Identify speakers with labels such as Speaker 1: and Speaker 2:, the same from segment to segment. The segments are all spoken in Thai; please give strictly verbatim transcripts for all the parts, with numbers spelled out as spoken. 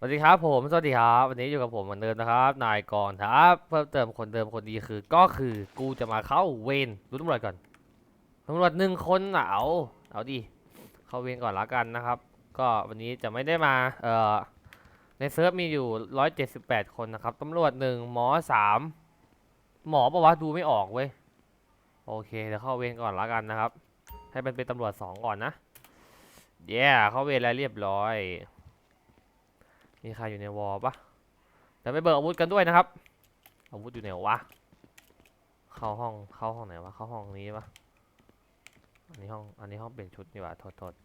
Speaker 1: วัสดีครับผมสวัสดีครับวันนี้อยู่กับผมเหมือนเดิมนะครับนายกรณ์ครับเพิ่มเติมคนเดิมคนดีคือก็คือกูจะมาเข้าเวรดูตำรวจก่อนตำรวจหนึ่งคนน่ะเอาเอาดิเข้าเวรก่อนละกันนะครับก็วันนี้จะไม่ได้มาเอ่อในเซิร์ฟมีอยู่ร้อยเจ็ดสิบแปดคนนะครับตำรวจหนึ่งหมอสามหมอปะวะดูไม่ออกเว้ยโอเคเดี๋ยวเข้าเวรก่อนละกันนะครับให้มันเป็นตำรวจสองก่อนนะเย้ yeah, เข้าเวรแล้วเรียบร้อยมีใครอยู่ในวอลปะ แต่ไปเบิกอาวุธกันด้วยนะครับอาวุธอยู่ไหนวะเข้าห้องเข้าห้องไหนวะเข้าห้องนี้ปะอันนี้ห้องอันนี้ห้องเปลี่ยนชุดนี่วะโทษโทษ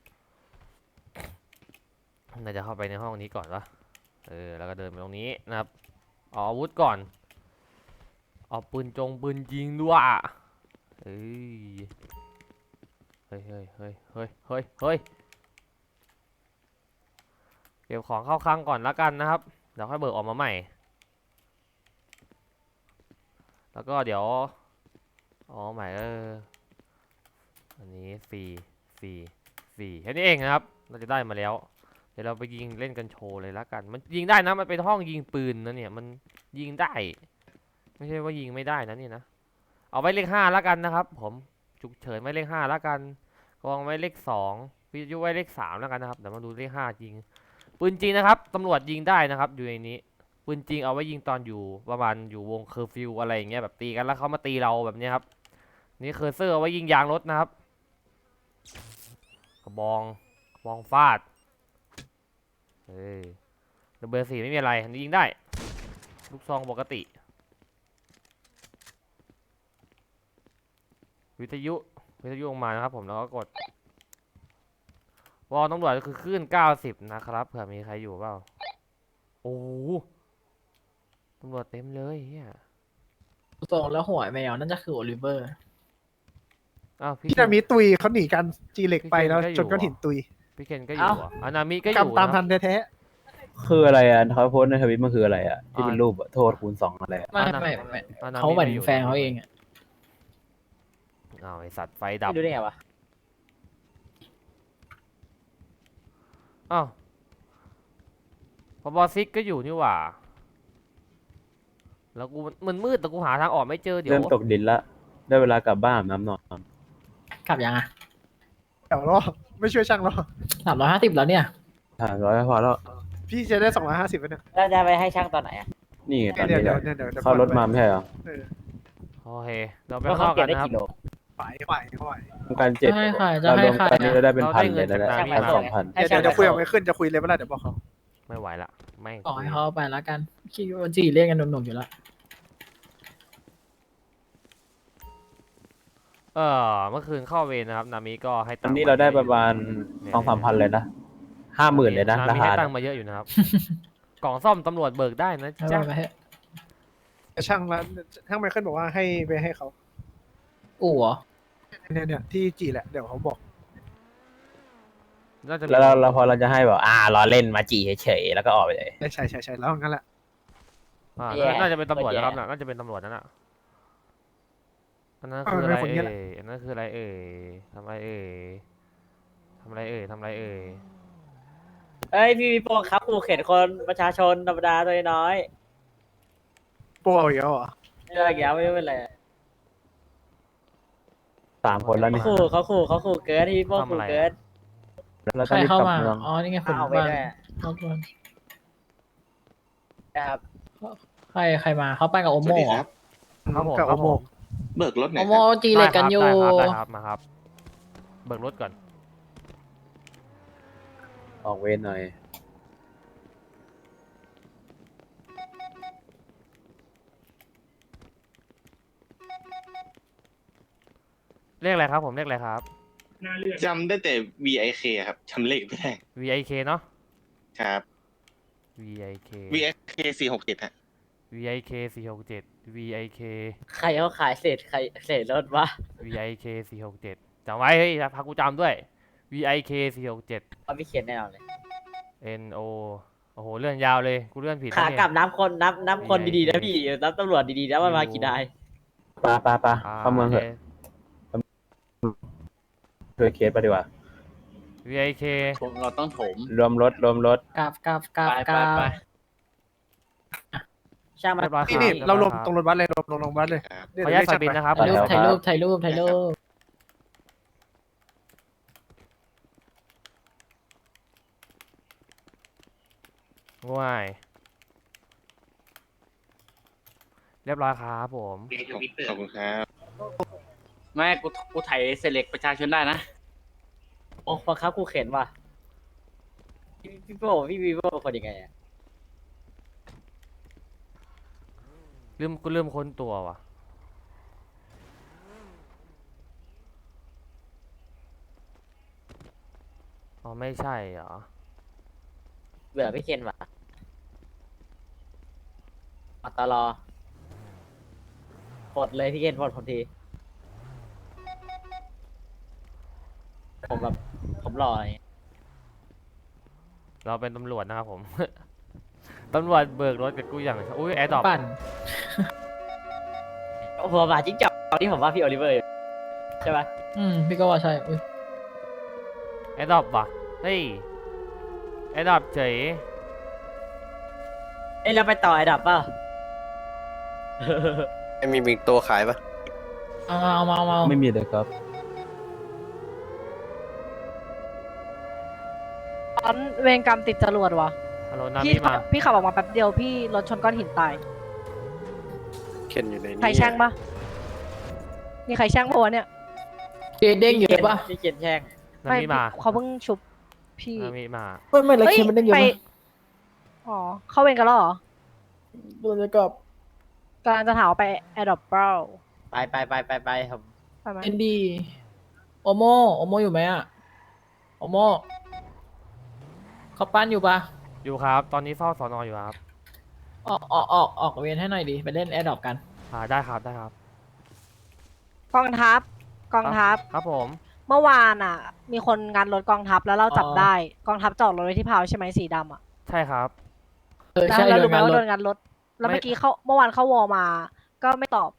Speaker 1: น่าจะเข้าไปในห้องนี้ก่อนวะเออแล้วก็เดินไปตรงนี้นะครับเอาอาวุธก่อนเอาปืนจงปืนยิงด้วยเฮ้ยเฮ้ยเฮ้ยเฮ้ยเฮ้ยเฮ้ยเฮ้ยเก็บของเข้าคลังก่อนละกันนะครับเดี๋ยวค่อยเบิกออกมาใหม่แล้วก็เดี๋ยวอ๋อใหม่เอออันนี้ฟรีฟรีฟรีแค่นี้เองนะครับเราจะได้มาแล้วเดี๋ยวเราไปยิงเล่นกันโชว์เลยละกันมันยิงได้นะมันเป็นห้องยิงปืนนะเนี่ยมันยิงได้ไม่ใช่ว่ายิงไม่ได้นะนี่นะเอาไว้เลขห้าละกันนะครับผมฉุกเฉินไว้เลขห้าละกันกองไว้เลขสองวิทยุไว้เลขสามแล้วกันนะครับเดี๋ยวมาดูเลขห้ายิงปืนจริงนะครับตำรวจยิงได้นะครับอยู่ในนี้ปืนจริงเอาไว้ยิงตอนอยู่ประมาณอยู่วงเคอร์ฟิวอะไรอย่างเงี้ยแบบตีกันแล้วเขามาตีเราแบบนี้ครับนี่เคอร์เซอร์เอาไว้ยิงยางรถนะครับกระบองกระบองฟาดเฮ้ยเบอร์สี่ไม่มีอะไรอันนี้ยิงได้ลูกซองปกติวิทยุวิทยุออกมานะครับผมแล้วก็กดวอลตำรวจคือคลื่นเก้าสิบนะครับเผื่อมีใครอยู่เปล่าโอ้ตำรวจเต็มเลยเฮีย
Speaker 2: ส่งแล้วหัวแมวนั่นจะคือโอลิเวอร์
Speaker 1: อ้าวพี่
Speaker 3: พี่
Speaker 1: เคน
Speaker 3: นามิตุยเขาหนีกันจีเหล็กไปแล้วจนก้อนหินตุย
Speaker 1: พี่เคนก็อยู่อ่ะอานามิก็อก
Speaker 3: รรม
Speaker 1: ยู่
Speaker 3: ตาม
Speaker 1: นะค
Speaker 3: ทั
Speaker 1: รับ
Speaker 3: นแท้
Speaker 4: คืออะไรอ่ะเขาโพสต์ในทวิตมันคืออะไรอ่ะที่เป็นรูปอะโทษคูณสองอะไรอะ
Speaker 2: ไม่
Speaker 1: อ่านะ
Speaker 2: ไม่ไม่
Speaker 1: อานามิ
Speaker 2: เขาเหมือน
Speaker 1: ไม่อยู่
Speaker 2: แฟนเขาเองอะ
Speaker 1: อ้าวไอสัตว์ไฟดับ
Speaker 2: ดูได้ไงวะ
Speaker 1: อ้าวพอบอซิกก็อยู่นี่หว่าแล้วกูมันมืดแต่กูหาทางออกไม่เจอเดี๋ยว
Speaker 4: เริ่มตกดินละได้เวลากลับบ้านอาบน้ำนอน
Speaker 2: กลับยังอะ
Speaker 3: ๆเดี๋ยวรอไม่ช่วยช่างรอ
Speaker 2: สามร้อยห้าสิบแล้วเนี่ย
Speaker 4: ผ่านร้อยพอแล้ว
Speaker 3: พี่จะได้สองร้อยห้าสิบเนี่ย
Speaker 5: แล้วจะไปให้ช่างตอนไหนอ่ะ
Speaker 4: นี่ไงตอน
Speaker 3: เดี๋ยว
Speaker 4: นี้
Speaker 3: เดี๋
Speaker 4: แห
Speaker 3: ยว
Speaker 4: ละ
Speaker 3: เดี๋ยวเดี๋ยว
Speaker 4: เข้ารถมาไม่ใช่เหรอ
Speaker 3: เออ
Speaker 1: โอเคเราไป
Speaker 5: แล้ว
Speaker 1: ข้าง
Speaker 5: เขา
Speaker 1: นอก
Speaker 5: เก็
Speaker 1: กับ นนะครับ
Speaker 5: ได้กี่โล
Speaker 3: ไหวไหวไหว
Speaker 4: ทำการเจ็ด
Speaker 2: จะให้ใครจะ
Speaker 4: เรา
Speaker 2: ให้
Speaker 4: รวม
Speaker 2: ใคร
Speaker 4: กันนี่
Speaker 2: อะ
Speaker 4: เราได้เป็น
Speaker 1: เรา
Speaker 4: พั
Speaker 1: ได้
Speaker 4: น
Speaker 1: เงิ
Speaker 4: เลย
Speaker 1: น
Speaker 4: นะ
Speaker 1: จาก
Speaker 4: เนี่ย
Speaker 1: นามิ
Speaker 4: พัน
Speaker 1: มา
Speaker 4: สองพัน
Speaker 5: ให้
Speaker 3: เดี๋ยว
Speaker 5: ช่าง
Speaker 3: เดี๋ยวคุย
Speaker 5: ไป
Speaker 3: กับไม่ขึ้นจะคุยเลยเมื่อไหร่เดี๋ยวบอกเขา
Speaker 1: ไม่ไหวละแม่ง
Speaker 2: ต่อให้เขาไปแล้วกันคิดว่าจีเรียกกันหนุ่มๆอยู่แล้ว
Speaker 1: เออเมื่อคืนเข้าเวรนะครับนามิก็ให้
Speaker 4: ต
Speaker 1: ตั
Speaker 4: อง น
Speaker 1: ค์
Speaker 4: นี้เราได้ประมาณ
Speaker 1: เนี่ย
Speaker 4: สองสามพันเลยนะห้าหมื่นเลยนะ
Speaker 1: นา
Speaker 4: รา
Speaker 1: มิ
Speaker 4: คา
Speaker 1: ให้ตังค์มาเยอะอยู่นะครับ กล่องซ่อมตำรวจเบิกได้นะ
Speaker 2: ให้
Speaker 1: จ๊ะ
Speaker 2: ไปให้
Speaker 3: แต่ช่างละช่างไมเคิลบอกว่าให้ไปให้เขา
Speaker 2: อู๋เหรอ
Speaker 3: เนี่ยเนี่ยที่จีแหละเดี๋ยวเขาบอก
Speaker 1: น่าจะมี
Speaker 4: แล้วเราเราพอเราจะให้แบบอ่าล้อเล่นมาจีเฉยๆแล้วก็ออกไปเลย
Speaker 3: ใช่ใช่ใช่ใช่แล้วงั้นแหละ
Speaker 1: อ่า
Speaker 5: แย่
Speaker 1: น่าจะเป็นตำรวจ
Speaker 5: แย่
Speaker 1: นะครับน่ะน่าจะเป็นตำรวจนั่นน่ะอันนั้นคืออะไรเอ่ยอันนั้นคืออะไรเอ่ยทำอะไรเอ่ยทำอะไรเอ่ยทำอะไรเอ่ย
Speaker 5: เอ้ยพี่มีโปรครับขู่เข็นคนประชาชนธรรมดาตัวน้อย
Speaker 3: โปรอีกแล้วเหรอ
Speaker 5: เรื่องอย่างเงี้ยไม่เป็นไร
Speaker 4: สามคนแล้ว
Speaker 5: เขา
Speaker 4: นี่
Speaker 5: ขู่เขาขู่เขาขู่เกินที่พี่โป้ขู่เกิน
Speaker 4: แล้ว
Speaker 2: ใค
Speaker 4: ต้อ
Speaker 2: รง
Speaker 4: รีบ
Speaker 2: เข้าก
Speaker 4: ลับ
Speaker 2: มา
Speaker 4: เมือง
Speaker 2: อ๋อนี่ไงคน
Speaker 5: เอาไป
Speaker 2: บ้าน
Speaker 5: ด้วย
Speaker 2: เข้าบ้าน
Speaker 5: นะครับ
Speaker 2: ใครใครมาเขาไปกับโอ
Speaker 6: ส
Speaker 2: โม
Speaker 6: วัสดี
Speaker 2: เหร
Speaker 6: ค
Speaker 2: อ
Speaker 6: รับ
Speaker 1: ครับผม
Speaker 3: กับ
Speaker 1: ครั
Speaker 3: โอบ โม
Speaker 1: ผม
Speaker 6: เบิกรถหน่
Speaker 2: โอ
Speaker 6: อย
Speaker 2: โม
Speaker 6: ครับ
Speaker 2: จีเล็กกันอยู่
Speaker 1: ได้ครับได้ครับมาครับเบิกรถก่อน
Speaker 4: ออกเวรหน่อย
Speaker 1: เรียกอะไรครับผมเรียกอะไรครับ
Speaker 6: จำได้แต่ วี ไอ เค ครับจำเลขไม่ได้
Speaker 1: วี ไอ เค เนาะ
Speaker 6: ครับ
Speaker 1: วี ไอ เค
Speaker 6: วี ไอ เค สี่หกเจ็ดฮะ
Speaker 1: วี ไอ เค สี่หกเจ็ด วี ไอ เค
Speaker 5: ใครเขาขายเศษใครเศษรถวะ
Speaker 1: วี ไอ เค สี่หกเจ็ดจำไว้เฮ้ยพักกูจำด้วย วี ไอ เค สี่หกเจ็ด
Speaker 5: เขาไม่เขียนแน่นอนเลย
Speaker 1: N O โอ้โหเลื่อนยาวเลยกูเลื่อนผิด
Speaker 5: ขา
Speaker 1: นะเนี่ย
Speaker 5: กลับน้ำคนน้ำน้ำคนดีๆนะพี่น้ำตำรวจดีๆนะมันมากี่นาย
Speaker 4: ปาปาปา
Speaker 1: อ่า
Speaker 4: เข้าเมืองเถอะช่วยเคสไปดีกว่า
Speaker 1: วี ไอ เค
Speaker 5: ผมเราต้องโถม
Speaker 4: รวมรถรวมรถ
Speaker 2: กราบกราบกราบ
Speaker 5: ไป
Speaker 2: กรา
Speaker 5: ไป
Speaker 2: บ
Speaker 5: ช่างมัน
Speaker 1: เรียบร้อยค
Speaker 3: นี่
Speaker 1: รับ
Speaker 3: นี่
Speaker 1: ยบ
Speaker 3: เรา
Speaker 1: อย
Speaker 3: ลง
Speaker 1: คบ
Speaker 3: ตรงรถบัสเลยลงลงลงบัสเลย
Speaker 6: ครับ
Speaker 3: เดี๋
Speaker 1: ข
Speaker 3: ยว
Speaker 1: ออนุญาต
Speaker 3: เรียก
Speaker 1: ใส่บินนะครับ
Speaker 3: ช่างมา
Speaker 2: ถ่ายรูปถ่ายรูปถ่ายรูปถ่ายรูป
Speaker 1: ง่ายเรียบร้อยครับผม
Speaker 6: ขอบขอบคุณครับ
Speaker 5: ไม่กูกูถ่ายเซเล็กประชาชนได้นะ โอ้บังคับกูเข็นว่ะพี่พี่โป้พี่วีโป้เป็นคนยังไงอะ
Speaker 1: ลืมกูลืมค้นตัวว่ะอ๋อไม่ใช่เหรอ
Speaker 5: เบื่อพี่เคนว่ะอัตลอปลดเลยพี่เคนปลดผมที ผมแบบผมรออะไรอย่างเงี้ย
Speaker 1: เราเป็นตำรวจนะครับผม ตำรวจเบิกรถกับกูอย่างอุ้ยแอร์ดรอป
Speaker 2: ปั่น
Speaker 5: โอ้โหมาจิ้งจอกตอนนี้ผมว่าพี่โอลิเวอร์อยู่ใช่ปะ
Speaker 2: อืมพี่ก็ว่าใช่อุ้ย
Speaker 1: แอร์ดรอปว่ะเฮ้ยแอร์ดรอปเฉย
Speaker 5: เอ้ยเราไปต่อไอ้ดับเปล่า
Speaker 7: ไม่มีมีตัวขายปะ
Speaker 2: เอามาเอามาเอามา
Speaker 4: ไม่มีเลยครับ
Speaker 8: ตอนเวรกรรมติดจรวดวะ
Speaker 1: ฮัลโหลนา
Speaker 8: พี่
Speaker 1: มิมา
Speaker 8: พี่ขับออกมาแป๊บเดียวพี่รถชนก้อนหินตาย
Speaker 7: เข็นอยู่ในนี้
Speaker 8: ใครแช่งปะมีใครแช่งปะวะเนี่ย
Speaker 2: เจเด้งอยู่เลยปะ
Speaker 5: พี่เคนแช่ง
Speaker 1: นามิมา
Speaker 8: เขาเพิ่งชุบพี่
Speaker 1: นามิมา
Speaker 2: ไม่ไม่เลย
Speaker 8: เฮ้ย
Speaker 2: เคมันเด้งอยู่
Speaker 8: ไป
Speaker 2: ปะ
Speaker 8: อ๋อเข้าเวรกันแล้วเหรอ
Speaker 2: โดนจะกลับ
Speaker 8: กำลังจะถามว่าไปแอร์ดรอปเปล่า
Speaker 5: ไปไปไปไปไปผม
Speaker 8: ไปไหม
Speaker 2: เอ็นดีโอโมโอโมอยู่ไหมอะโอโมเขาปั้นอยู่ปะ
Speaker 1: อยู่ครับตอนนี้เฝ้าสอนออยู่ครับ
Speaker 2: ออกออกออกออกเวียนให้หน่อยดิไปเล่นแอร์ดรอปกัน
Speaker 1: อ่าได้ครับได้ครับ
Speaker 8: กองทัพกองทัพ
Speaker 1: ครับผม
Speaker 8: เมื่อวานอ่ะ มีคนงานรถกองทัพแล้วเราจับได้ กองทัพจอดรถไว้ที่พาวใช่ไหมสีดำอ่ะ
Speaker 1: ใช่ครับ
Speaker 2: เออ
Speaker 8: แล้ว
Speaker 2: ใช่
Speaker 8: เรา
Speaker 2: โด
Speaker 8: รู้
Speaker 2: น
Speaker 8: ไหม
Speaker 2: งาน
Speaker 8: ว่าร โด
Speaker 2: ถ
Speaker 8: นงานรถ แล้ว
Speaker 1: ไม่
Speaker 8: เมื่อกี้เขาเมื่อวานเข้าวอลมา ก็ไม่ตอบ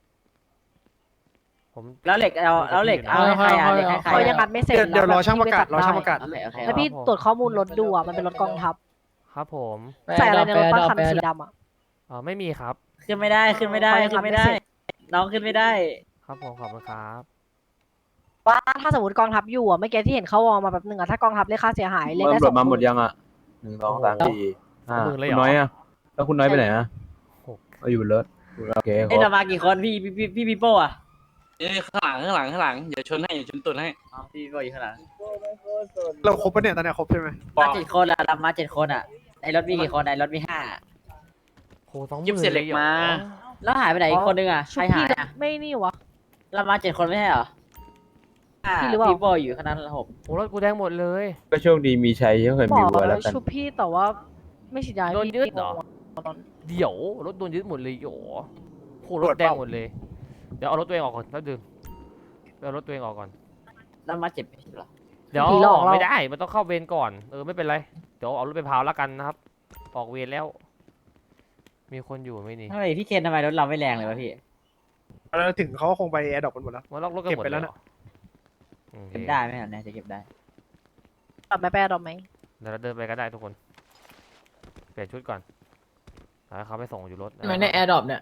Speaker 1: ผม
Speaker 5: แล้วเหล็กเอาแล้วเหล็กเอาให้ใครอ่ะเหล็กให้ใคร
Speaker 8: เขา
Speaker 5: อะ
Speaker 8: ยังงัดไม่เสร็จ
Speaker 3: เดี๋ยวเดี๋ยวรอ
Speaker 8: แล้
Speaker 3: ช่างประกาศ
Speaker 8: พี่
Speaker 3: รอ
Speaker 8: ไจับ
Speaker 3: ช่างประกาศ
Speaker 5: โอเคโอเค
Speaker 8: แล้วพี่
Speaker 1: ครับผม
Speaker 8: ตรวจข้อมูลรถดูอ่ะมันเป็นรถกองทัพ
Speaker 1: ครับผม
Speaker 8: ใส่อะไรในรถป้าคัน
Speaker 2: ไป
Speaker 8: สี
Speaker 2: แอร์ดรอป
Speaker 8: ดำอ่ะ
Speaker 1: อ่าไม่มีครับ
Speaker 5: ขึ้นไม่ได้ขึ้นไม่ได้
Speaker 8: เขายัง
Speaker 5: ขึ้นไม่ได้
Speaker 8: ทำไม่เสร็จ
Speaker 5: น้องขึ้นไม่ได้
Speaker 1: ครับผมขอบคุณครับ
Speaker 8: ว่าถ้าสมมติกองทัพอยู่อ่ะเมื่อกี้ที่เห็นเขาวอลมาแบบหนึ่งอ่ะถ้ากองทัพเรียกค่าเสียหายเรียกได้
Speaker 4: ตำร
Speaker 8: ส
Speaker 4: ว
Speaker 8: อ
Speaker 4: จ
Speaker 8: ง
Speaker 4: มาหมด
Speaker 8: หมื่น
Speaker 4: ยังอ่ะหนึ่งสองสามสี่ห้า
Speaker 1: หมื่นเลยเหร
Speaker 4: คุ
Speaker 1: อ
Speaker 4: ณน้อยอ่ะแล้วคุณน้อยไปไหนอ่ะ
Speaker 1: หก
Speaker 4: ก็อยู่บนรถโอเคค
Speaker 5: เอ้ย
Speaker 4: รั
Speaker 5: เรา
Speaker 4: บ
Speaker 5: มากี่คนพี่พี่พี่พี่ปีโป้อะ
Speaker 9: เอ้ยข้างหลังข้างหลังข้างหลังเดี๋ยวชนให้เดี๋ยวชนตุนให้
Speaker 5: อ๋อพี่ปีโป้อยู่ข้างหลัง
Speaker 3: เราครบปะเนี่ยตอนเนี้ยครบใช่ไหม
Speaker 5: มาเจ็ดคนอะเรามาเจ็ดคนอะไอ้รถมีกี่คนไอ้รถมีห้า
Speaker 1: โหสองห
Speaker 9: ยิบ
Speaker 1: มื่น
Speaker 9: เสร็จเหล็ก
Speaker 1: ยรอ
Speaker 9: มา
Speaker 5: แล้วหายไปไหนอีกคนนึงอะใค
Speaker 8: ชุ
Speaker 5: ร
Speaker 8: บ
Speaker 5: หา
Speaker 8: พี่
Speaker 5: ยอะ
Speaker 8: ไม่นี่วะ
Speaker 5: เรามาเจ็ดคนไม่ใช่เหรออ่า
Speaker 8: พี่หรือเปล่า
Speaker 5: พี่โป้อยู่ข้างนั้นหก
Speaker 1: โอ้รถกูแดงหมดเลย
Speaker 4: ก็โชคดีมีชัยที่เคย
Speaker 8: บ
Speaker 4: มี
Speaker 8: อก
Speaker 4: วัวแล้วกัน
Speaker 8: ชุบพี่แต่ว่าไม่ฉีดยาให้
Speaker 1: โดน
Speaker 8: พี่
Speaker 1: ยึดเหรอ
Speaker 8: ตอน
Speaker 1: เดี๋ยวรถโดนยึดหมดเลยโหโหรถแดงหมดเลย เดี๋ยวเอารถตัวเองออกก่อนแล้วดื่มเอารถตัวเองออกก่อน
Speaker 5: แล้วมาเจ็ดไม่ใช่เหรอ
Speaker 1: เดี๋ยว
Speaker 8: ผีหลอกเรา
Speaker 1: ไม่ได้ มันต้องเข้าเวรก่อน เออไม่เป็นไร เดี๋ยวเอารถไปพาวแล้วกันนะครับ ออกเวรแล้ว มีคนอยู่ไหมนี่
Speaker 5: ทำไมพี่เคนทำไมรถเราไม่แรงเลยวะพี่
Speaker 3: เราถึงเขาก็คงไปแอร์ดรอปกันหมดแล้ว
Speaker 1: มาล็อกรถกันหมด
Speaker 3: เก็บไปแล้ว
Speaker 1: เย
Speaker 3: นะ
Speaker 1: เหรอโอเค
Speaker 5: เก็บได้ไหมอะเนี่ยจะเก็บได้
Speaker 8: ตัดไม่แปรดอกไหม
Speaker 1: เดี๋ยวเราเดินไปก็ได้ทุกคน เปลี่ยนชุดก่อนแล้วเขาไปส่งอยู่รถ
Speaker 2: ทำไมในแอร์ดรอปเนี่ย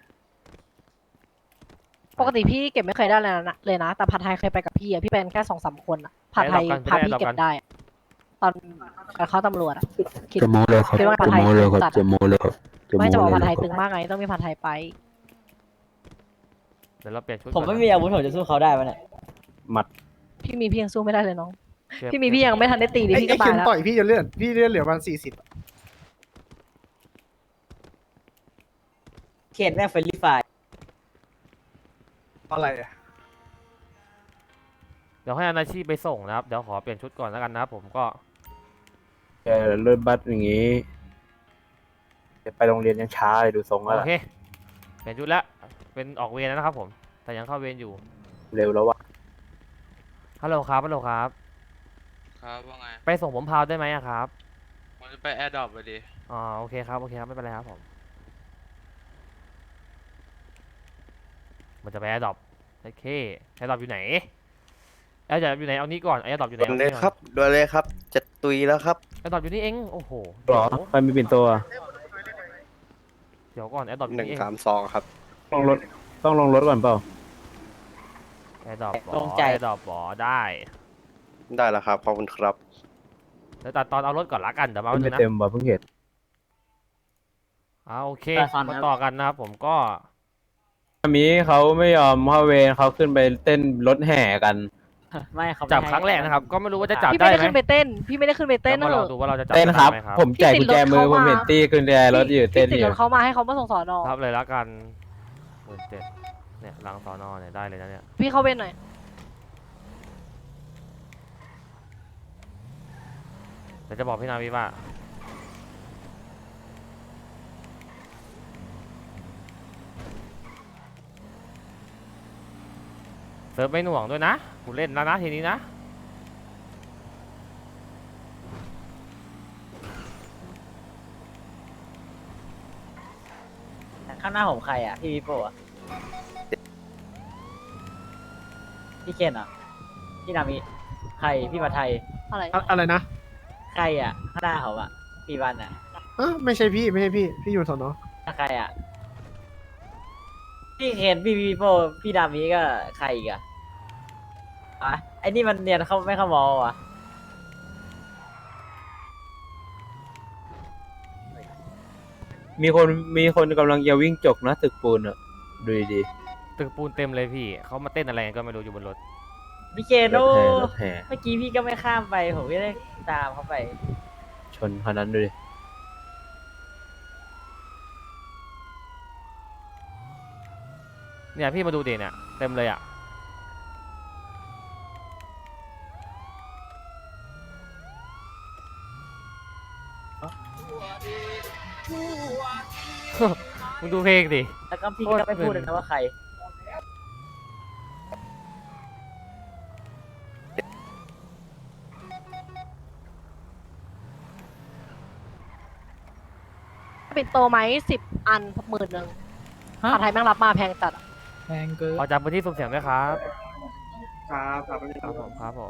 Speaker 8: ปกติพี่เก็บไม่เคยได้เลยนะเลยนะ แต่ผัดไทยเคยไปกับพี่อะพี่เป็นแค่สองสามคนอะผัดไทยพาพี่เก็บได้อะตอนตอนเข้าตำรวจอะคิด
Speaker 4: จะโมเลยครับ
Speaker 8: คิดว่าผัด
Speaker 4: จะ
Speaker 8: ไทย
Speaker 4: โมเลยครับ
Speaker 8: จัด
Speaker 4: จะโมเลยครับ
Speaker 8: ไม่จะบอกผัดไทย
Speaker 4: ค
Speaker 8: ตึ
Speaker 4: รับ
Speaker 8: งมากไงต้องมีผัดไทยไป
Speaker 1: เดี๋ยวเราเปลี่ยนชุด
Speaker 5: ผม
Speaker 1: ก่อน
Speaker 5: ไม่มีอาวุธผมจะสู้เขาได้ปะเนี่ย
Speaker 4: หมัด
Speaker 8: พี่มีพี่ยังสู้ไม่ได้เลยน้อง
Speaker 1: เก็บ
Speaker 8: พี่มีพี่ยังไม่ทันได้ตีเลย
Speaker 3: ไอ้
Speaker 8: พี่
Speaker 3: ไอ้
Speaker 8: ก็ตา
Speaker 3: เข็
Speaker 8: ย
Speaker 3: ม
Speaker 8: แล้ว
Speaker 3: ต่อยพี่จะเลือดพี่เลือดเหลือประมาณสี่สิบ
Speaker 5: เคนแม่งเฟรนลี่ไฟ
Speaker 3: อะไรอะ
Speaker 1: เดี๋ยวให้อนาชีพไปส่งนะครับ เดี๋ยวขอเปลี่ยนชุดก่อนแล้วกันนะครับผมก็
Speaker 4: แกเลื่อนบัสอย่างงี้จะไปโรงเรียนยังช้าเลยดูทรงแล้ว
Speaker 1: โอ
Speaker 4: ล่ะ
Speaker 1: เค เปลี่ยนชุดแล้ว เป็นออกเวรแล้วนะครับผม แต่ยังเข้าเวรอยู่
Speaker 4: เร็วแล้วว่ะ
Speaker 1: ฮัลโหลครับ ฮัลโหลครับ
Speaker 9: ครับว่าไง
Speaker 1: ไปส่งผมพาวได้ไหมอะครับ
Speaker 9: มันจะไปแอร์ดรอปไปดิ
Speaker 1: อ๋อโอเคครับ โอเคครับ ไม่เป็นไรครับผม มันจะไปแอร์ดรอปโอเคแอร์ดรอปอยู่ไหนแอร์ดรอปอยู่ไหนเอานี้ก่อนแอร์ดรอปอยู่ไหน
Speaker 7: ด่วนเลยครับด่วนเลยครับ จะตุยแล้วครับ
Speaker 1: แอร์ดรอปอยู่นี่เองโอ้โห
Speaker 4: หรอใครมีปิ่นโตอ่ะ
Speaker 1: เดี๋ยวก่อนแอร์ดรอปอยู่
Speaker 7: หนึ่ง
Speaker 1: นี่เอง
Speaker 7: สามสองครับ
Speaker 4: ลงรถต้องลงรถก่อนเปล่า
Speaker 1: แอร์ดรอป
Speaker 5: ตรงใจ
Speaker 1: แอร์ดรอปบอได้
Speaker 7: ได้แล้วครับขอบคุณครับ
Speaker 1: เดี๋ยวตัดตอนเอารถก่อนละกันเดี๋ยวมา
Speaker 4: ไม่
Speaker 1: ดูนะ
Speaker 4: เต็มว่ะเพิ่งเห็น
Speaker 1: อ่าโอเค
Speaker 5: ไปฟัง
Speaker 1: มา
Speaker 5: ครับ
Speaker 1: ต่อกันนะครับผมก็
Speaker 4: อามีเขาไม่ยอมเข้าเวรเขาขึ้นไปเต้นรถแห่กัน
Speaker 5: ไม่เขาไม่
Speaker 1: จับ
Speaker 5: ให้
Speaker 1: ครั้งแรกนะครับ ก็ไม่รู้ว่าจะจับ
Speaker 8: พี่
Speaker 1: ได้
Speaker 8: ไม่ได้
Speaker 1: ไหม
Speaker 8: ขึ้นไปเต้น พี่ไม่ได้ขึ้นไปเต้น
Speaker 1: แล้ว
Speaker 8: เน
Speaker 1: มาล
Speaker 8: อะ
Speaker 1: องดูว่าเราจะจับ
Speaker 4: เต้นครับ
Speaker 1: ได้ไหมครับ
Speaker 4: ผมแจกกุญแจมือผมเห็นตี้กุญแจรถอยู่เต้นอ
Speaker 8: พี่ติด
Speaker 4: ยู่
Speaker 8: รถเขามาให้เขามาส่งสอนอ
Speaker 1: รับเลยละกันหมื่นเจ็ดเนี่ยหลังสอนอเนี่ยได้เลยนะเนี่ย
Speaker 8: พี่เข้าเว้นหน่อย
Speaker 1: เดี๋ยวจะบอกพี่นาวิว่าเซิร์ฟไม่หน่วงด้วยนะกูเล่นแล้วนะทีนี้นะ
Speaker 5: ข้างหน้าผมใครอ่ะพี่วิโป้อะพี่เคนเหรอ่ะพี่นามิใครพี่มาไทย
Speaker 8: อะไร
Speaker 3: อะอะไรนะ
Speaker 5: ใครอ่ะข้างหน้าผมอ่ะพี่วันอ่ะ
Speaker 3: เออไม่ใช่พี่ไม่ใช่พี่พี่อยู่สอนอ
Speaker 5: ใครอ่ะพี่เคนพี่วิโป้พี่นามิก็ใครอีกอ่ะอ่ะไอ้นี่มันเนียนเขาไม่เข้ามองว่ะ
Speaker 4: มีคนมีคนกำลังจะวิ่งจกนะตึกปูนอ่ะดูดี
Speaker 1: ตึกปูนเต็มเลยพี่เขามาเต้นอะไรกันก็ไม่รู้อยู่บนรถ
Speaker 5: พี่เคน
Speaker 4: ๆร
Speaker 5: โอ้
Speaker 4: ถแห่รถแห่
Speaker 5: เมื่อกี้พี่ก็ไม่ข้ามไปผมก็ได้ตามเขาไป
Speaker 4: ชนคันนั้นดูดิ
Speaker 1: เนี่ยพี่มาดูดิเนี่ยเต็มเลยอ่ะ มึงดูเพลงดิ
Speaker 5: แล้วก็พี่ก็ไม่พูดเลยนะว่าใคร
Speaker 8: ปิ่นโตไหมสิบอันหมื่นหนึ่ง
Speaker 2: ฮะ
Speaker 8: ผัดไทยแม่งรับมาแพงจัดอะ
Speaker 2: แพงเกิน
Speaker 1: ขอจับพื้นที่สุ่มเสียงด้วยครับ
Speaker 3: ครับครับ
Speaker 1: ครับผมครับผม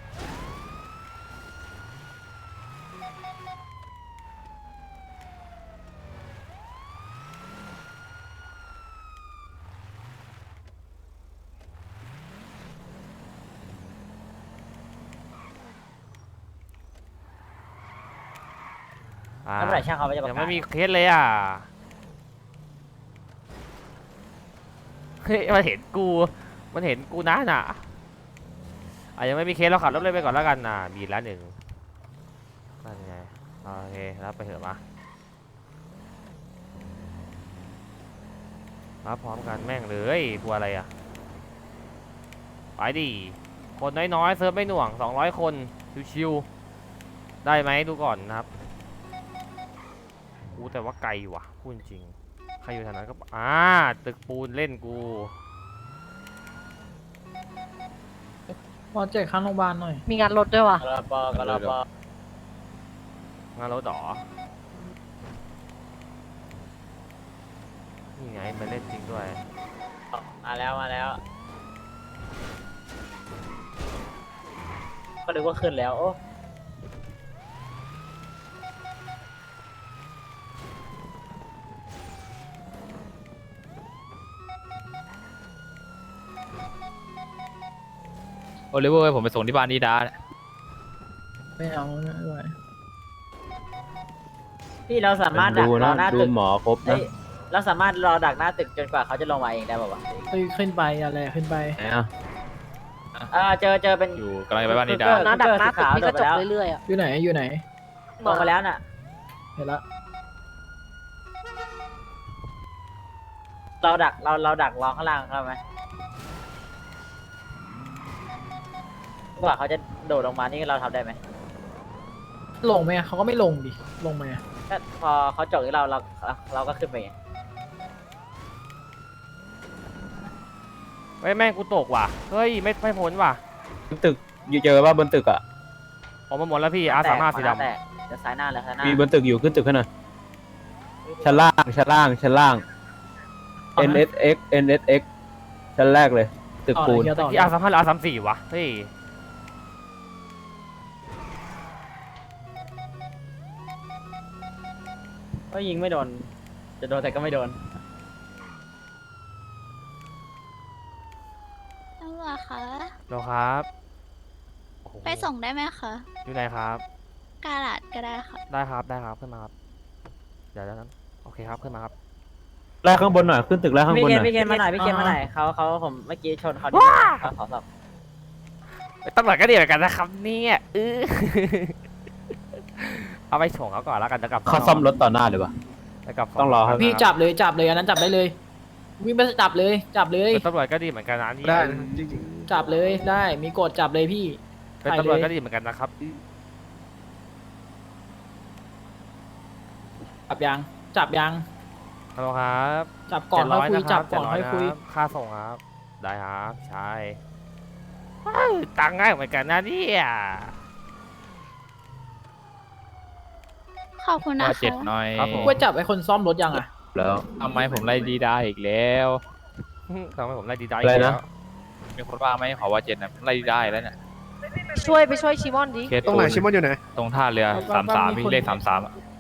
Speaker 1: อ่า
Speaker 5: แล้วเมื่อไหร่ช่างเขาจะประ
Speaker 1: ยัง
Speaker 5: กาศ
Speaker 1: ไม่มีเคสเลยอ่ะ เฮ้ยมันเห็นกู มันเห็นกูนะน่ะอ่ะยังไม่มีเคสเราขับรถเลยไปก่อนแล้วกันน่ะบีดละหนึ่งนั่นไงโอเครับไปเถอะมารับพร้อมกันแม่งเลยกลัวอะไรอ่ะไปดิคนน้อยๆเซิร์ฟไม่หน่วงสองร้อยคนชิวๆได้ไหมดูก่อนนะครับกูแต่ว่าไกลว่ะพูดจริงใครอยู่แถวนั้นก็อ่าตึกปูนเล่นกู
Speaker 2: พอแจกข้างโรงพยาบาลหน่อย
Speaker 8: มีงานรถด้วยว่ะ
Speaker 5: กระปอกระปอง
Speaker 1: านรถดอนี่ไงมันเล่นจริงด้วย
Speaker 5: มาแล้วมาแล้ว ก็นึกว่าขึ้นแล้วโอ้
Speaker 10: โอลิเวอร์ให้ผมไปส่งที่บ้านดีดา
Speaker 2: ไม่เอาไม่ไหว
Speaker 5: พี่เราสามารถดัก
Speaker 4: ดู
Speaker 5: ร
Speaker 4: นะ
Speaker 5: อหน้า
Speaker 4: ดู
Speaker 5: ตึก
Speaker 4: หมอครบ
Speaker 5: เอ้
Speaker 4: นะ
Speaker 5: ยเราสามารถรอดักหน้าตึกจนกว่าเขาจะลงมาเองได้ป่าวะ
Speaker 2: เฮ้ยขึ้นไปอะไรขึ้นไป
Speaker 4: ไหนอ่ะ
Speaker 5: อ่าเจอเจอเป็น
Speaker 10: อยู่กำลังจะไปบ้านดีดา
Speaker 5: เออ
Speaker 8: หน้าดักหน้าตึก
Speaker 5: ขาว
Speaker 8: พี่ก็จบ
Speaker 5: จบไปแล้ว
Speaker 8: เรื่อยๆอะ
Speaker 2: อยู่ไหนอยู่ไหน
Speaker 5: ลงมาแล้วน่ะ
Speaker 2: เห็นละ
Speaker 5: เราดักเราเราดักรอข้างล่างเขาไหมกว่าเขาจะโดดลงมานี่เราทำได้ไหม
Speaker 2: ลงไหมอะเขาก็ไม่ลงดิลงไหมอะ
Speaker 5: ก็พอเขาจอดที่เราเราเราก็ขึ้นไปไง
Speaker 1: เฮ้ยแม่งกูตกว่ะ เฮ้ยไม่ไม่พ้นว่ะ
Speaker 4: บนตึกอยู่เจอว่าบนตึกอ่ะ
Speaker 1: ออกมาหมดแล้วพี่อาสามารถสีด
Speaker 5: แตกจะซ้ายหน้าแล้วซ้ายหน้า
Speaker 4: มีบนตึกอยู่ขึ้นตึกขึ้นหน่อยชั้นล่างชั้นล่างชั้นล่าง N S X N S X ชั้นแรกเลย ตึก
Speaker 2: ต่อ
Speaker 4: ปู
Speaker 2: เลย
Speaker 4: น
Speaker 2: เฮียต่อ
Speaker 1: ำ
Speaker 2: เล
Speaker 1: ที่
Speaker 2: ย
Speaker 1: อาสามารถหรืออาสามสี่วะ เฮ้ย
Speaker 5: ก็ยิงไม่โดน จะโดนแต่ก็ไม่โดน
Speaker 11: ตำรวจคะ
Speaker 1: เราครับโอ้โห
Speaker 11: ไปส่งได้ไหมคะ
Speaker 1: อยู่ไหนครับ
Speaker 11: กาลาดก็ได้ค่ะ
Speaker 1: ได้ครับได้ครับขึ้นมาครับเดี๋ยวนั้นโอเคครับขึ้นมาครับ
Speaker 4: ไล่ข้างบนหน่อย ขึ้นตึกไล่ข้าง
Speaker 5: พี่
Speaker 4: บน
Speaker 5: เคน
Speaker 4: หน่อย
Speaker 5: พี่เคนมาหน่อยพี่เคนมาหน่อยเขาเขาผมเมื่อกี้ชนเขาดิเขาขอสอบ
Speaker 1: ตำรวจก็ดีเหมือนกันนะครับเนี่ยเออ เอาไปส่งเขาก่อนแล้วกันจะกลับ
Speaker 4: เขาซ่อมรถต่อหน้าเลยวะ
Speaker 1: จะกลับ
Speaker 4: ต้องรอครับ
Speaker 2: พี่จับเลยจับเลยอันนั้นจับได้เลย วิ่งไปจับเลยจับเลย
Speaker 1: เป็นตำรวจก็ดีเหมือนกันนะนี่
Speaker 3: ได้นะจริง
Speaker 2: จับเลยได้มีกฎจับเลยพี่
Speaker 1: เป็นตำรวจก็ดีเหมือนกันนะครับ
Speaker 2: จับยังจับยัง
Speaker 1: ฮัลโหลครับ
Speaker 2: จับก่อนค่อยคุย
Speaker 1: เจ็ดร้
Speaker 2: จับ
Speaker 1: นะ
Speaker 2: ก่อน
Speaker 1: รับ
Speaker 2: ค่อยคุย
Speaker 1: เจ็ดร้นะรับค่าส่งครับ ได้ครับใช่ว้าวตังค์ง่ายเหมือนกันนะเนี่ย
Speaker 11: ขอบคุณนะ
Speaker 10: ว่าเจ็ด
Speaker 11: คะ
Speaker 10: หน่อย
Speaker 1: ครับผม
Speaker 2: ว่าจับไอ้คนซ่อมรถยังอ่ะ
Speaker 4: แล้ว
Speaker 10: ทำไมผมไล่ดีได้อีกแล้ว
Speaker 1: ทำให้ผมไล่ดีใจ
Speaker 4: อะไรนะ
Speaker 10: มีคนว่าไหมขอว่าเจ็ดนะไล่ดีได้แล้วเนี่ย
Speaker 8: ช่วยไปช่วยชิมอนดิ
Speaker 10: เคส
Speaker 3: ๆ ตรงไหนชิมอนอยู่ไหน
Speaker 10: ตรงท่าเรือสามสามพี่เลขสามสาม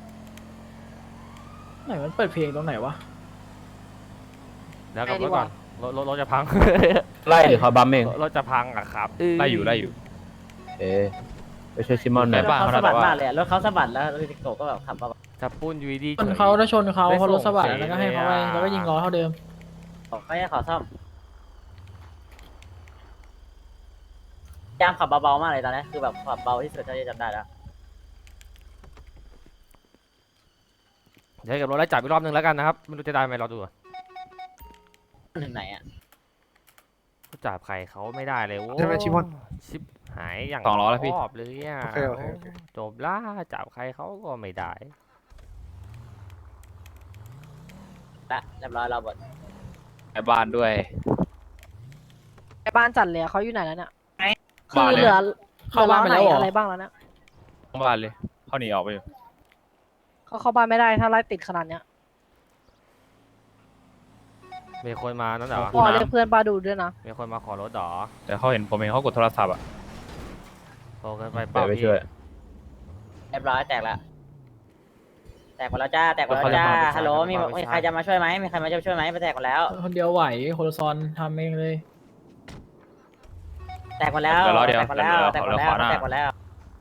Speaker 2: ไหนมันเปิดเพลงตรงไหนวะ
Speaker 1: เดี๋ยวกลับรถก่อนรถรถรถจะพัง
Speaker 4: ไล่หรือเขาบัมเอง
Speaker 1: รถรถจะพังอะครับ
Speaker 10: ไล่อยู่ไล่อยู่
Speaker 4: เอ๊ะไปช่วยซิมอนหน่อย
Speaker 10: บ้าน
Speaker 5: เขา
Speaker 10: เขา
Speaker 5: สะบัด
Speaker 10: แต่ว่า
Speaker 5: มากเลยอะรถเขาสะบัดแล้วรถติโกะก็แบบขับมา
Speaker 1: จะปุ้นยูดี
Speaker 2: ชนเขาถ้าชนเขาเขารถสวัสดิ์แล้วก็ให้เขาไปแล้วก็ยิงล้อเท่าเดิม
Speaker 5: บอกไม่ให้ขอซ่อมยามขับเบาๆมากเลยตอนนี้คือแบบขับเบาที่สุดเท่าที่จำได้แล้ว
Speaker 1: เดี๋ยวกับรถไล่จับอีกรอบนึงแล้วกันนะครับไม่รู้จะได้ไหมรอดูก่อน
Speaker 5: ถึงไหนอ่ะ
Speaker 1: จับใครเขาไม่ได้เลยโว้
Speaker 3: ใช่ไหมชิมอน
Speaker 1: ชิปหายอย่าง
Speaker 10: สองล้อแล้วพี่
Speaker 1: ชอบเลยอ่ะ
Speaker 3: โอเคโอเคโอเค
Speaker 1: จบล่าจับใครเขาก็ไม่ได้
Speaker 5: ละเรียบร้อยเราหมด
Speaker 10: ไอ้บ้านด้วย
Speaker 8: ไอ้บ้านจัดเลยอะเขาอยู่ไหนแล้วเนี่ยคื
Speaker 10: บ้า
Speaker 8: อน
Speaker 10: เลย
Speaker 8: เหลือ
Speaker 2: เข้าบ้านไป
Speaker 8: หลื
Speaker 2: แล้วเหรอ
Speaker 8: อะไรบ้างแล้วเนี่ย
Speaker 10: ทั้งบ้านเลยเขาหนีออกไปอยู่
Speaker 8: เขาเข้าบ้านไม่ได้ถ้าไล่ติดขนาดเนี้ย
Speaker 1: มีคนมานั่นเหรอ
Speaker 8: พอเรียกเพื่อนป้าดูด้วยนะ
Speaker 1: มีคนมาขอรถเหรอ
Speaker 10: แต่เขาเห็นผมเห็นเขากดโทรศัพท์อ่ะ
Speaker 1: โตเกินไป
Speaker 4: ไป
Speaker 1: เปล่า
Speaker 4: ไป
Speaker 1: พี่
Speaker 4: ช่วย
Speaker 5: เรียบร้อยแตกละแตกหมดแล้วจ้าแตกหมดแล้วจ้าฮัลโหลมีมีใครจะมาช่วยไหมมีใครมาจะช่วยไหมไปแตกหมดแล้ว
Speaker 2: คนเดียวไหวโฮโลซอนทำเองเลย
Speaker 5: แตกหมดแล้ว
Speaker 10: เดี๋ยวรอเดี๋ยว
Speaker 5: แตกหมดแล้ว
Speaker 10: เดี๋ยว
Speaker 5: แตกหมด
Speaker 10: เดี๋
Speaker 5: แล้ว
Speaker 10: ยวขวาหน้า
Speaker 5: แตกหมดแล้ว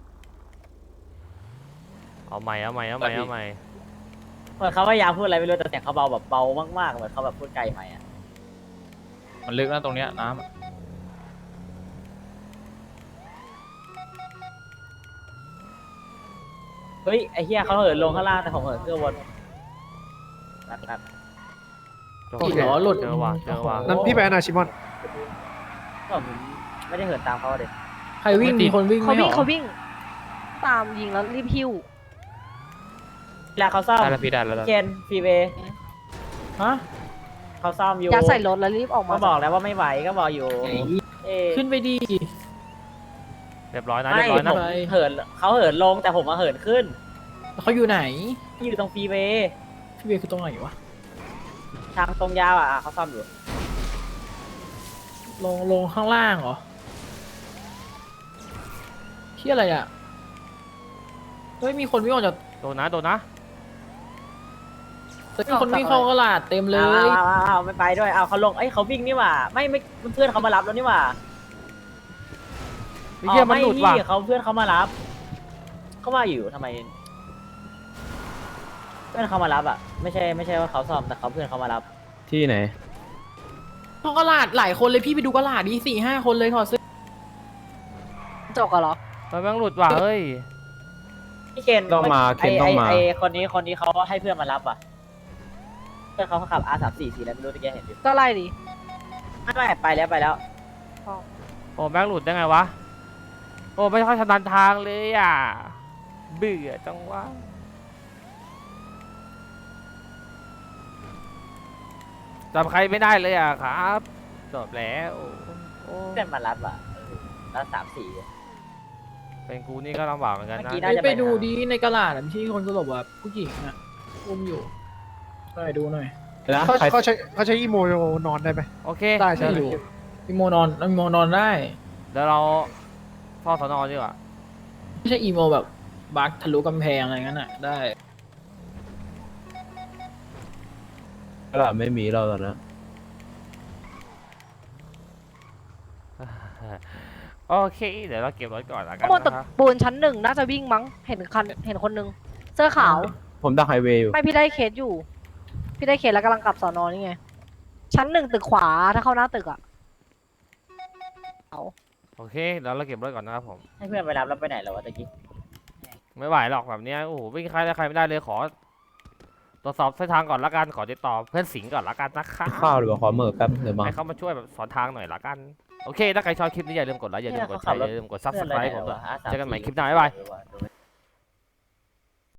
Speaker 1: เอาใหม่เอาใหม่เอาใหม่เอาใหม่
Speaker 5: เหมือนเขาพยายามพูดอะไรไม่รู้แต่เสียงเขาเบาแบบเบามากๆเหมือนเขาแบบพูดไกลใหม่อ่ะ
Speaker 10: มันลึกนะตรงเนี้ยน้ำอะ
Speaker 5: เฮ้ยไอ้เฮียเขาเหินลงข้างล่างแต่ผมเหินขึ้นบนนัดนัด
Speaker 1: โอ
Speaker 2: อีก
Speaker 1: เค
Speaker 2: เหรอหลุด
Speaker 1: เจอว่ะเจอว่ะ
Speaker 3: นั้นพี่ไปอนาชิมอน
Speaker 5: ก็ผมไม่ได้เหินตามเขาเลย
Speaker 2: ใครวิ่งมีคนวิ่ง
Speaker 8: เขา
Speaker 2: ไม่
Speaker 8: วิ่ง
Speaker 2: เหรอ
Speaker 8: เขาวิ่ง ตามยิงแล้วรีบหิ้ว
Speaker 5: เวลาเขาซ่อม
Speaker 10: ได้แล้วพี่ได้แล้วได้
Speaker 5: เคนฟรีเวย์
Speaker 2: ฮะ
Speaker 5: เขาซ่อมอยู่
Speaker 8: ยัดใส่รถแล้วรีบออกมา
Speaker 5: ก็บอกแล้วว่าไม่ไหวก็บอกอยู่เอ้ย
Speaker 2: ขึ้นไปดี
Speaker 1: เรียบร้อยนะ
Speaker 5: ไม่
Speaker 1: เรียบร้อยนะ
Speaker 5: ผมเหินเขาเหินลงแต่ผมมาเหินขึ้น
Speaker 2: เขาอยู่ไหน
Speaker 5: อยู่ตรงฟรีเวย์
Speaker 2: พี่เบียร์คือตรงไหนวะ
Speaker 5: ทางตรงยาวอ่ะเขาซ่อมอยู่
Speaker 2: ลงลงข้างล่างเหรอที่อะไรอ่ะเฮ้ยมีคนวิ่งออกจาก
Speaker 1: โดนนะโดนนะ
Speaker 2: แต่มีคนวิ่งเข้ากระลาดเต็มเล
Speaker 5: เอา
Speaker 2: ย
Speaker 5: เอาเอาเอาไม่ไปด้วยเอาเขาลงเอ้ยเขาวิ่งนี่หว่าไม่ไม่เพื่อนเขามารับแล้วนี่หว่า
Speaker 1: ไอ้เหี้ยมันหลุดว่ะ
Speaker 5: อ๋อไม่นี่เขาเพื่อนเขามารับเขาว่าอยู่ทำไม เพื่อนเขามารับอ่ะไม่ใช่ไม่ใช่ว่าเขาซ่อมแต่เขาเพื่อนเขามารับ
Speaker 4: ที่ไหน
Speaker 2: เข้ากระลาดหลายคนเลยพี่ไปดูกระลาดดีสี่ห้าคนเลยถอดเสื้อ
Speaker 8: จกอะเหรอ
Speaker 1: มันแม่งหลุดว่ะเฮ้ย
Speaker 5: พี่เคน
Speaker 4: ต้องมา
Speaker 5: ไอ้
Speaker 4: เคนต้องมา
Speaker 5: ไอ้ไอ้คนนี้คนนี้เขาให้เพื่อนมารับอ่ะเพื่อนเขาขับ อาร์ สามสี่ สีอะไรไม่รู้ตะกี้เห็นอยู่
Speaker 8: ก็ไล่ดิ
Speaker 5: ไม่ไม่ไปแล้วไปแล้ว
Speaker 1: โอ้แม่งหลุดได้ไงวะโอ้ไม่ค่อยชำนาญทางเลยอ่ะเบื่อจังวะจำใครไม่ได้เลยอ่ะครับจบแล้วโอ้
Speaker 5: เพื่อนมารับอ่ะเออแล้วสามสี่
Speaker 1: เป็นกูนี่ก็ลำบากเหมือนกันนะ
Speaker 5: เมื่อกี้น่าจะ
Speaker 2: ไปดูดีในกระลาดอะที่คนสลบแบบผู้หญิงอ่ะอุ้มอยู่ไปดูหน่อย
Speaker 4: นะ
Speaker 3: เขา
Speaker 4: ใคร
Speaker 3: เขาใช้เขาใช้อีโมนอนได้ไหม
Speaker 1: โอเค
Speaker 3: ได้ใช่
Speaker 2: ไม่รู้อีโมนอนอีโมนอนได้
Speaker 1: เดี๋ยวเราเฝ้าสนอดีกว่า
Speaker 2: ไม่ใช่อีโมแบบบักทะลุกำแพงอะไรงั้นอ่ะได้
Speaker 4: ตลาดไม่มีเราตอนนั้น
Speaker 1: โอเค เดี๋ยวเราเก็บรถก่อนละกัน
Speaker 8: ข้างบนตึ
Speaker 1: นะ
Speaker 8: ก
Speaker 1: ครับ
Speaker 8: ปูนชั้นหนึ่งน่าจะวิ่งมั้ง เห็นคันเห็นคนนึง เสื้อขาว
Speaker 4: ผมดักไฮเวย์อยู่
Speaker 8: ไม่พี่ได้เคสอยู่ พี่ได้เคสแล้วกำลังกลับสอนอนี่ไง ชั้นหนึ่งตึกขวาถ้าเข้าหน้าตึกอะเอา
Speaker 1: โอเคเดี๋ยวเราเก็บรถก่อนนะครับผม
Speaker 5: ให้เพื่อนไปรับแล้วไปไหนแล้ววะตะกี้
Speaker 1: ไม่ไหวหรอกแบบเนี้ยโอ้โหวิ่งใครได้ใครไม่ได้เลยขอตรวจสอบเส้นทางก่อนละกันขอติดต่อเพื่อนสิงห์ก่อนละกันนะครับ
Speaker 4: ข้าวหรือว่าขอเมอร์แป๊บเดี๋ยวมา
Speaker 1: ให้เขามาช่วยแบบสอนทางหน่อยละกันโอเคถ้าใครชอบคลิปนี้อย่าลืมกดไลค์อย่าลืมกดแชร์อย่าลืมกดซับสไครต์ผมด้วยเจอกันใหม่คลิปหน้าบ๊ายบาย
Speaker 5: เออว่ะ